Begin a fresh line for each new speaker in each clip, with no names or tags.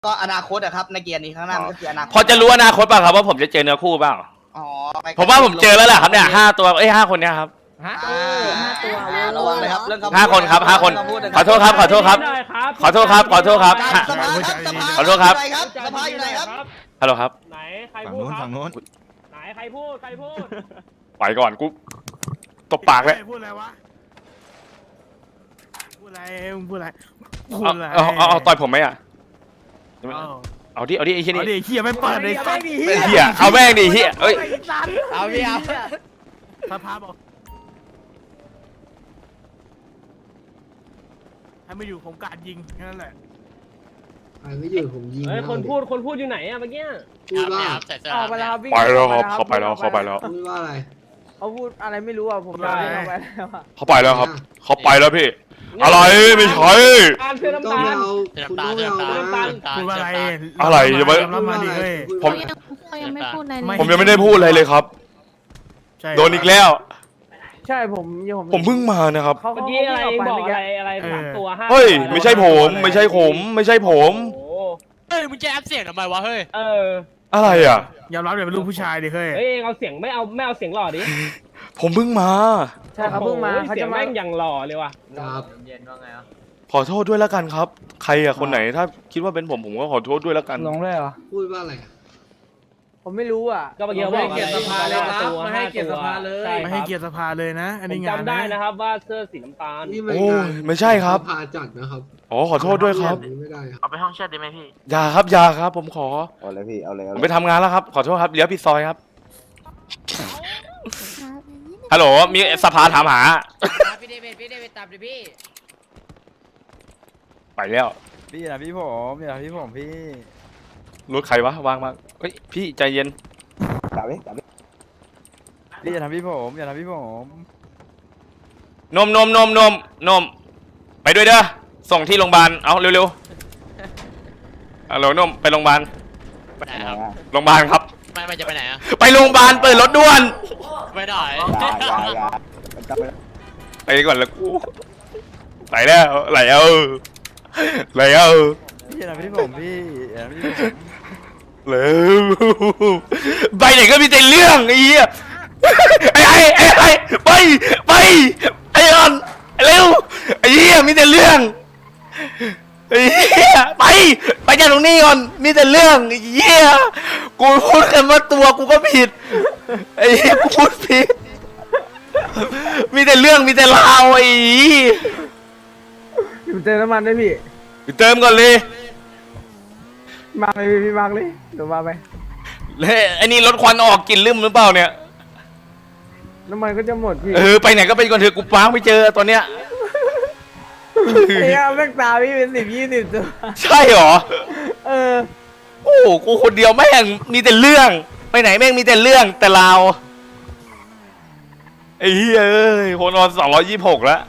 ก็อนาคตอะครับในเกียร์นี้ข้างหน้ามันก็คืออนาคต
พอจะรู้อนาคตป่ะครับว่าผมจะเจอเนื้อคู่เปล่า
อ๋อ
ผมว่าผมเจอแล้วแหละครับเนี่ย5 ตัว5 คนเนี่ยครับ
5 ตัว
ระวังเลยครับเรื่อง
5 คนครับ5 คนขอโทษครับขอโทษครับขอโทษครับขอโทษครับ
สภาครับสภา
ขอโทษครับ
สภาอยู่ไหนครับ
ฮัลโหลครับ
ไหนใครพูดครับ
ฝั่งโน้น
ไหนใครพูดใครพูด
ไปก่อนกูตบปากเลย
พูดอะไรวะพูดอะไรพูดอะไร
เอาต่อยผมไหมอ่ะ
เอา
เอาดิไอ้เหี้ย
เอา
นี่
ดิเฮียไม่เปิดเลย
เหี้ยเอาแม่งดิเหี้ยเอ้ย
เอาพี่เอา
สภาบอกให้ไม่อยู่ผมการยิงแค่นั้นแหละ
ใครไม่อยู่ผมยิง
เฮ้ยคนพูดอยู่ไหนอะเมื่อกี้
พูดว่า
ออกไปแล้วครับพี่
ไปแล้วครับเขาไปแล้วเขาไปแล้ว
พูดว่าอะไร
เขาพูดอะไรไม่รู้อ่ะผมไม่ได้เอาไปแล้วอะ
เขาไปแล้วครับเขาไปแล้วพี่อะไรไม่ใช่
การเชื่อ
ต้อง
น้ำตาล
เอาคุณต้องเอามา
พูดว่าอะไร
อะไรจะไป
รับมาดิเฮ้ย
พูด
เขายังไม่พูดอะไรเลย
ผมยังไม่ได้พูดอะไรเลยครับ
ใช่
โดนอีกแล้ว
ใช่ผม
ผมเพิ่งมานะครับ
เขา
เมื่อกี้อะไร
เขา
บอก
เมื่อ
อะไร
กี้
3 ตัว5
เฮ้ยไม่ใช่ผมไม่ใช่ผมไม่ใช่ผม
โอ้โห
เฮ้ยมึงจะแอปเสียงทำไมวะเฮ้ย
เออ
อะไรอ่ะ
ยอมรับเดี๋ยวเป็นลูกผู้ชายดิเฮ้ย
เฮ้ยเอาเสียงไม่เอาเสียงหล่อดิ
ผมเพิ่งมา
ใช่เขาเพิ่งมา
โอ้โห
เขา
เสีย
จะ
ง
มา
แม่งอย่างหล่อเลยว่ะ
ครับ
ขอโทษด้วยแล้วกันครับ ใครอ่ะคนไหนถ้าคิดว่าเป็นผมก็ขอโทษด้วยแล้วกัน
ลงเลยเหรอ
พูดว่าอะไรอะ
ผมไม่รู้อ่ะ
ก็เมื่อกี้บอก
ไม่ให้เกียรติสภาเลยครับ
5
ไม่ให้เกียรติสภาเลย
ใช่
ไม่
ค
ให้
รับ
เกียรติสภาเลยนะ อัน
ผ
นี้
ม
งาน
จำได้นะครับว่าเสื้อสีน้ำตาล
นี่ไม่
โอ้
งาน
ยไม่ใช่ครับ
พาจัดนะครับ
อ๋อขอโทษด้วยครับ
แบบนี้ไม่ได้ครับ
เอาไปห้องแชทได้ไหมพี่
อย่าครับอย่าครับ ผมขอ
เอาเลยพี่ เอาเลย
ผมไปทำงานแล้วครับ ขอโทษครับเลี้ยวผิดซอยครับ
ครับ
ฮัลโหลมีสภาถามหา
พี่เดวิดตามดิพี่
ไปแล้ว
พี่นะพี่ผมอย่าพี่ผมพี่
รถใครวะวางมาเฮ้ยพี่ใจเย็น
จับดิพี่อย่าทำพี่ผมอย่าทำพี่ผม
นมไปด้วยเด้อส่งที่โรงพยาบาลเอาเร็วๆฮัลโหลนมไปโรงพยาบาล
ไปไหนครับ
โรงพยาบาลครับ
ไม่จะไปไหนอ่ะ
ไปโรงพยาบาลเปิดรถด่วน
ไม่ได้
อย่ามันจับไป
ไปก่อนแล้วกูไหลแล้วไหลเอา
พี่อย่าทำพี่ผมพี่อย่าทำพี่ผม
เร็วไปไหนก็มีแต่เรื่องไอ้เหี้ยไอ้ไปไอ้ออนเร็วไอ้เหี้ยมีแต่เรื่องไอ้เหี้ยไปจากตรงนี้ก่อนมีแต่เรื่องไอ้เหี้ยกูพูดแค่ว่าตัวกูก็ผิดไอ้เหี้ยกูพูดผิดมีแต่เรื่องมีแต่ราวไอ้เหี้ย
อยู่เติมน้ำมันด้วยพี่
ไปเติมก่อนเลย
มาเลยพี่มาเลยเดี๋ยวมาไป
แล้วไอ้นี่รถควันออกกลิ่นลืมหรือเปล่าเนี่ย
น้ำมันก็จะหมดพี่
ไปไหนก็ไปก่อนเถอะกูปาไม่เจอตอนเนี้ย
เฮ้ยแม่งตาพี่เป็น10-20 ตัว
ใช่เหรอ
เออ
โอ้โหกูคนเดียวแม่งมีแต่เรื่อง ไปไหนแม่งมีแต่เรื่องแต่เราวไอ้เฮ้ยเอ้ยคนนอน226แล้ว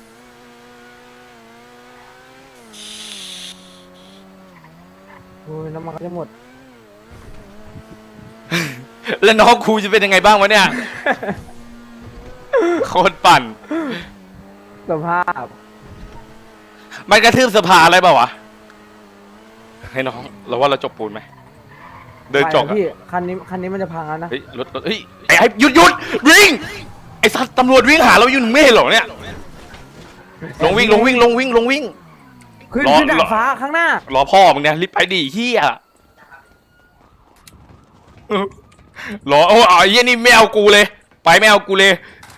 โอ้ยน้ำมันก็จะหมด
แล้วน้องครูจะเป็นยังไงบ้างวะเนี่ย โคตรปั่น
สภาพ
มันกระทืบสภาอะไรเปล่าวะ ให้น้องเราว่าเราจบปูนไหม เดินจบ
ไป
อะ
พี่คันนี้มันจะพังแล้วนะ
เฮ้ยรถเฮ้ยไอ้หยุดวิ่งไอ้สัตว์ตำรวจวิ่งหาเราอยู่ไม่เห็นเหรอเนี่ยลงวิ่ง
ขึ้น
รอ
ดาดฟ้าข้างหน้าร
อพ่อมึงเนี่ยรีบไปดิเฮียรอโอ้ไอ้เฮียนี่ไม่เอากูเลย ไปไม่เอากูเลย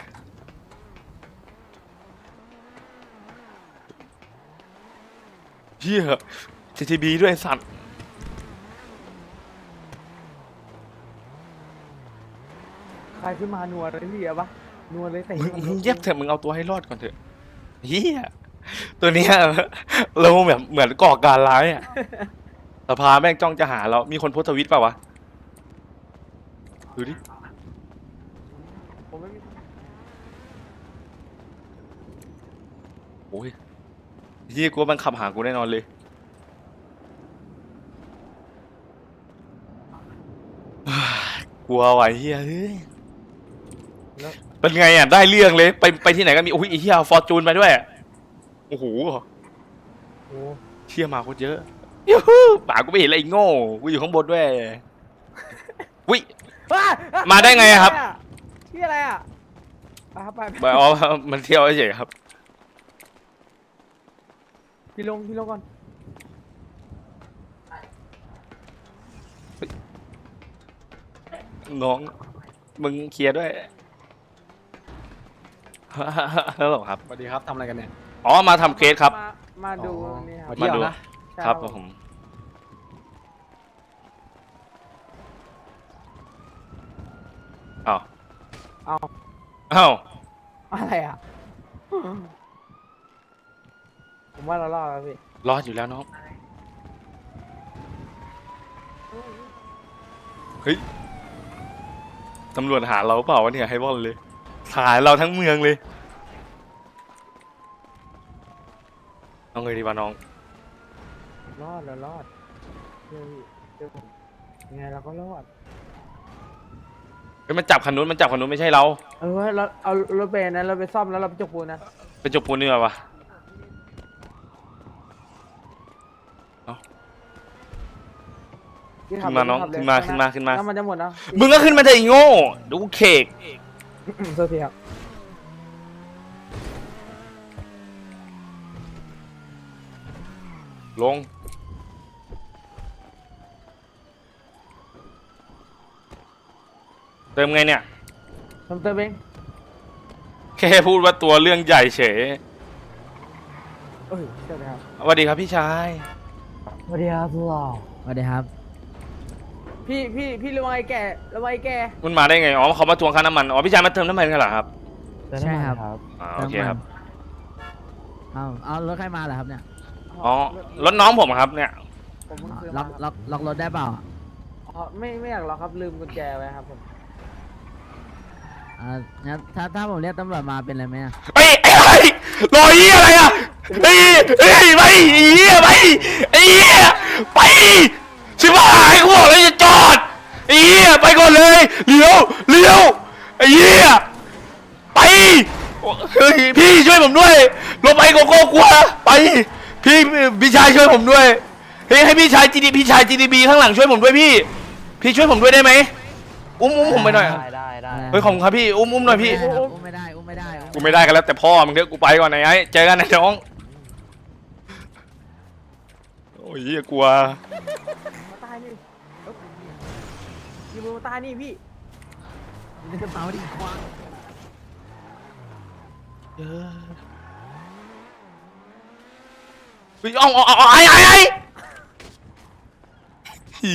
เฮีย JTB ด้วยไอ้สัตว์
ใครขึ้นมานัวเลยพี่อะปะนัวเลยแต่
มึงเย็บเถอะมึงเอาตัวให้รอดก่อนเถอะเฮียตัวเนี้ยเราแบบเหมือนก่อการร้ายอ่ะสภาแม่งจ้องจะหาเรามีคนโพสต์ทวิตเปล่าวะดูดิ
ผมไม่มี
โอ้ยเฮียกูว่ามันขับหากูแน่นอนเลยกลัวไหวเฮียเฮ้ยเป็นไงอ่ะได้เรื่องเลยไปที่ไหนก็มีโอ้ยไอ้เฮียฟอร์จูนไปด้วยโอ้โห
โอ้
เชี่ยมาโคตรเยอะยูฮูป่ากูไม่เห็นอะไรโง่กูอยู่ข้างบนด้วยวิ มาได้ไงอะครับ
ที่อะไรอ่ะไปครับไป
บอกอ๋อมันเที่ยวเฉยๆครับ
พี่ลงก่อน
น้องมึงเคลียร์ด้วยฮัลโหลครับ
สวัสดีครับทำอะไรกันเนี่ย
อ๋อมาทำเคสครับ
มาดู
อ๋อ
นี่ค
มา
รับ
เที่ยว
มาดู
นะ
ใช่
ครับผมอ้าว
เอา
อ้าว
อะไรอ่ะผมว่าเรารอดแล้วพี่
รอดอยู่แล้วน้องเฮ้ยตำรวจหาเราเปล่าวะเนี่ยให้บอลเลยหาเราทั้งเมืองเลยเอาไงดีวะน้อง
รอดเรารอดเดี๋ยวผมยังไงเราก็รอด
เฮ้ยมันจับคันนู้นไม่ใช่เรา
เราเอารถเบนนะเราไปซ่อมแล้วเราไปจกปูนนะ
เป็นจบปูนเนื้อวะ ขึ้นมาน้องขึ้นมา
แล้วมันจะหมดแล้ว
มึงก็ขึ้นมาเถอะไอ้โง่ดูกูเคก
โทษทีครับ
ลงเติมไงเนี่ย
เติมเอง
แค่พูดว่าตัวเรื่องใหญ่เฉย
เอ้ยเดี๋ยวนะครับ
สวัสดีครับพี่ชาย
สวัสดีครับพี่หล่อ
สวัสดีครับ
พี่ระวังไอ้แก่
มันมาได้ไงอ๋อเขามาทวงค่าน้ำมันอ๋อพี่ชายมาเติมน้ำมันกันเหรอครับ
ใช่ครับ
อ๋อโอเคครับ
เอารถใครมาเหรอครับเนี่ย
อ๋อรถน้องผมครับเนี่ย
ผมเพิ่งซื้อ
ล็
มา
อกรถได้เปล่า
อ๋อไม่อยากหรอกครับลืมกุญแจไว้ครับผม
งั้นถ้าผมเรียกตำรวจมาเป็นไรไหมอะ
เฮ้ยไอ้ไรรอยยี่อะไรอ่ะเฮ้ยไปไอ้เหี้ยไปไอ้เหี้ยไปชิบหายกูบอกเลยจะจอดไอ้เหี้ยไปก่อนเลยเลี้ยวไอ้เหี้ยไปเฮ้ยพี่ช่วยผมด้วยลงไปโกโก้กลัวไปพี่ชายช่วยผมด้วยเฮ้ยให้พี่ชาย GDP ข้างหลังช่วยผมด้วยพี่ช่วยผมด้วยได้ไหมอุ้มผมไปหน่อย
ได้
เฮ้ยขอบคุณครับพี่อุ้มหน่อยพี่
อุ้มไม่ได้
กูไม่ได้กันแล้วแต่พ่อมึงเถอะกูไปก่อนไอ้เจอกันนะน้องโอ้ยเหี้ยกลัว
มาตายนี่ยิงมือมาตายนี่พี่
ในกระเป๋าดิควาง
เฮ้ยไอ้หี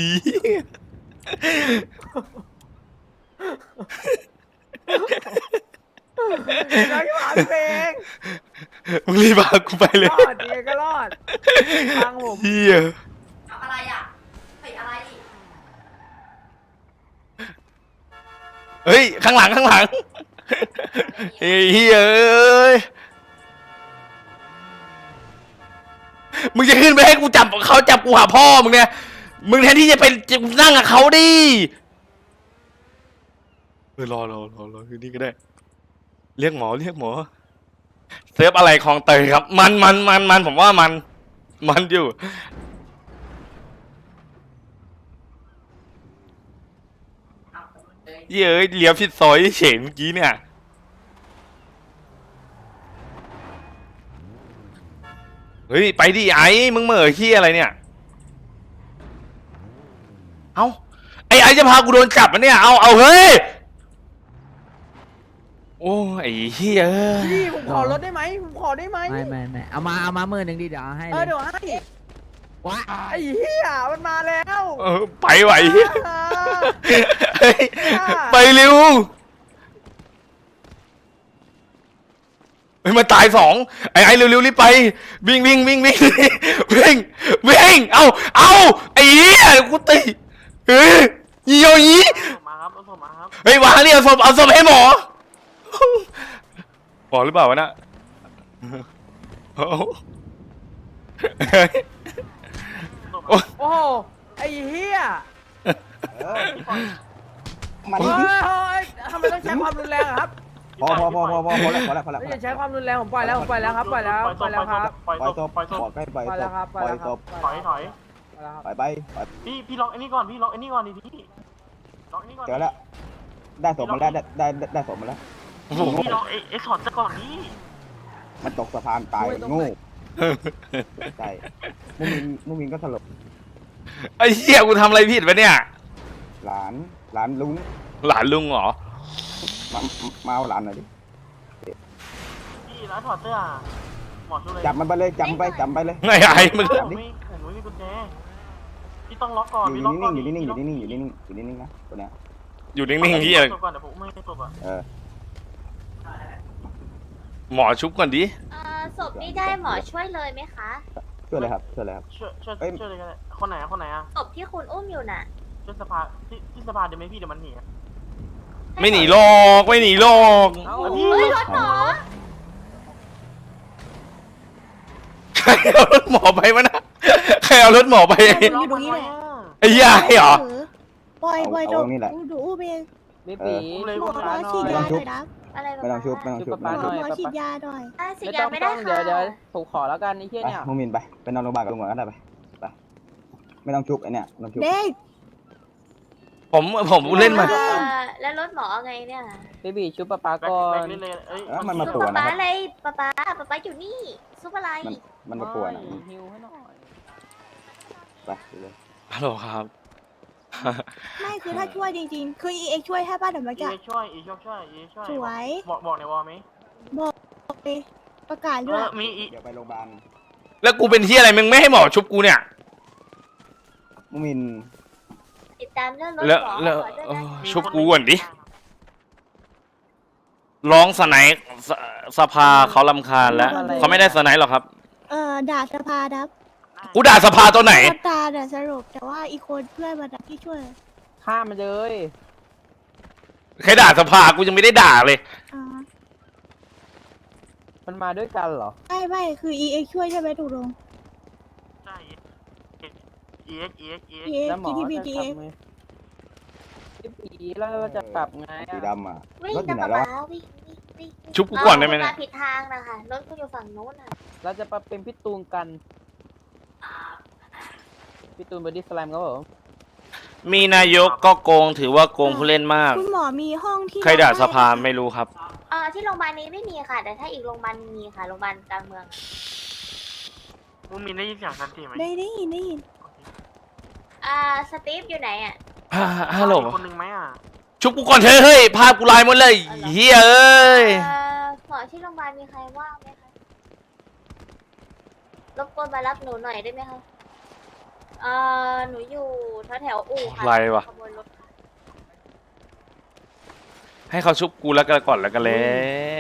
น้อยหมาเพลง
มึงรีบพากูไปเลย
รอดดีก็รอดทางผม
เฮีย
อะไรอ่ะใส่อะไรอีก
เฮ้ยข้างหลังเฮ้ยเฮียเอ้ยมึงจะขึ้นไปให้กูจับเขาจับกูหาพ่อมึงเนี่ยมึงแทนที่จะไปนั่งกับเขาดิรอที่นี่ก็ได้เรียกหมอเซิร์ฟอะไรคลองเตยครับมันผมว่ามันอยู่เย้ยเลี้ยวผิดซอยเฉยเมื่อกี้เนี่ยเฮ้ยไปดิไอ้มึงเหม่อขี้อะไรเนี่ยเอ้าไอ้จะพากูโดนจับอ่ะเนี่ยเอาเฮ้ยโอ้ไอ้เหี้ย
พี่ผมขอรถได้ไหมผมขอได้ไหม
ไม่เอามามือหนึ่งดิเดี๋ยวเอาให้เลย
เดี๋ยวให้
ว้า
ไอ้เหี้ยมันมาแล้ว
ไปไหวเฮ้ยไปเร็วเฮ้ยมาตายสองไอ้เร็วรีบไปวิ่งเอาไอ้เหี้ยกูตีเฮ้ยยี่
มาครับเอามาครับ
เฮ้ยวางนี่เอาศพให้หมอหรือเปล่าวะน่ะ
โอ้โหไอ้เหี้ย
มัน
เฮ้ยทำไมต้องใช้ความรุนแรงอะครับ
พอแล้ว
ไม่อย่าใช้ความรุนแรงผมปล่อยแล้วครับปล่อยแล้วครับ
ปล่อยศพ
ปล่อยแล้วครับ
บอกให้ปล่อยศพ
ปล่อยแล้วครับ
ปล่อยศพ
ถอย
ไปไป
พี่ล็อกไอ้นี่ก่อนพี่ล็อกไอ้นี่ก่อนดิพี่ล็อกไอ้นี่ก่อน
เจอแล้วได้ศพมาแล้วได้ศพมาแล้ว
พี่ล็อกไอ้ถอดซะก่อนนี่
มันตกสะพานตายโง่ใช่มุมินก็สลบ
ไอ้เหี้ยกูทำอะไรผิดวะเนี่ย
หลานลุง
หลานลุงเหรอ
มาเอาหลานหน่อยดิ
พี่แล้วถอดเสื้อหมอช่วยเลย
จับมันไปเลยจับไปเลย
ไงไอ้มึง
ผมไม่มีกุญแจพี่ต้องล็อกก่อน
อยู่
พี่ล็อกก่อน
นิ่งอยู่นิ่งนะตัวเนี้ย
อยู่นิ่งๆเหี้ย
ตบก่อนเดี๋ยวผมไม่ตบอ่ะ
หมอชุบก่อนดิ
ศพนี่ได้หมอช่วยเลยไหมคะ
ช่วยเลยครับ
ช่วยเลยกันเลยคนไหนอ่ะ
ศพที่คุณอุ้มอยู่น่ะ
ช่วยสภาที่สภาเดี๋ยวไม่พี่เดี๋ยวมันหนี
ไม่หนีหรอกไม่หนีหรอก
เฮ้ยรถหมอ
ใครเอารถหมอไปวะนะใครเอารถหมอไป
อยู่ตรงนี้แหละ
ไอ้ยายเหรอ
ปล่อยนี่แหละ
ดูอู้เอง
ไม่ปีเลย
หมอฉีดยาหน่อยนะ
อะไร
ไม่ต้องชุบ
หมอฉีดยาหน่อย
ฉีดยาไม่ได้ค่ะ
ถูกขอแล้วกันนี่เที่ยเนี่ย
มุมินไปนอนโรงพยาบาลกับลุงก่อนก็ได้ไปไม่ต้องชุบไอเนี่ยต้องชุบ
เด็ก
ผมเล่นมา
แล้วรถหมอไงเนี่ย
เบบี้ชุบปะปาก่อน
มันมา
ซุ
ป่
ป
วนนะ
ป๊า
ครับ
อะไรป๊าอยู่นี่ซุปอะไร
มันมาป่วนนะ
ฮิวให้หน่อย
ไปเลย
ฮัลโหลครับ
ไม่คือถ้าช่วยจริงๆ คือเอ็กช่วยให้ป้าเดี๋ยวเมื่อกี้
ช่วยช่วย
สวย
บอกในวอลไหม
ไปประกาศด้วย
มี
เดี๋ยวไปโรงพยาบาล
แล้วกูเป็นที่อะไรมึงไม่ให้หมอชุบกูเนี่ย
มุมิน
ติดตามเรื่องรถ
แล้ว
หมอ
แล้ว
ขอด้วย
เอ
นะ
อชุบกูก่อนดิร้องสไนป์สภาเขารำคาญแล้วเขาไม่ได้สไนป์หรอกครับ
ด่าสภาดับ
กูด่าสภาตัวไหน
ตาเนี่ยสรุปแต่ว่าอีกคนเพื่อนมันที่ช่วย
ฆ่ามันเลย
ใครด่าสภากูยังไม่ได้ด่าเลย
มันมาด้วยกันเหรอ
ไม่คือเอ็กช่วยใช่ไหมถูกลง
ใช่
EX
แล้วหมอ
GTP
จะกลับไหมพี่ปีแล้วจะกลับไง
สีดำอ่ะ
วิ่ง
รถอ
กั
ยู่
บ
ไหนแล้ว
ป๊าวิ่ง
ชุบกูก่อนได้ไหม
มา
เนี่ย
ผิดทางนะคะรถคุณอยู่ฝั่งโน้นน่ะ
เราจะมาเป็นพี่ตูนกันพี่ตูนบอดี้สแลมครับผม
มีนายกก็โกงถือว่าโกงผู้เล่นมาก
คุณหมอมีห้องที่
ใครด่าสภาไม่รู้ครับ
ที่โรงพยาบาลนี้ไม่มีค่ะ แต่ถ้าอีกโรงพยาบาลมีค่ะโรงพยาบาลกลางเมือง
มึงมีได้ยินเสียงสันติไหม
ได้ยิน
สตีฟอยู่ไหนอ่ะ
ฮัลโหล
คนหนึ่งไหมอ่ะ
ชุบกูก่อนเถอะเฮ้ยภาพกูลายหมดเลยเฮียเอ้ย
หมอที่โรงพยาบาลมีใครว่างไหมคะรบกวนมารับหนูหน่อยได้ไหมคะหนูอยู่แถวอู่ค่ะ
ไรวะ
ขโมยรถค่ะ
ให้เขาชุบกูแล้วกันก่อนแล้วกันแล้ว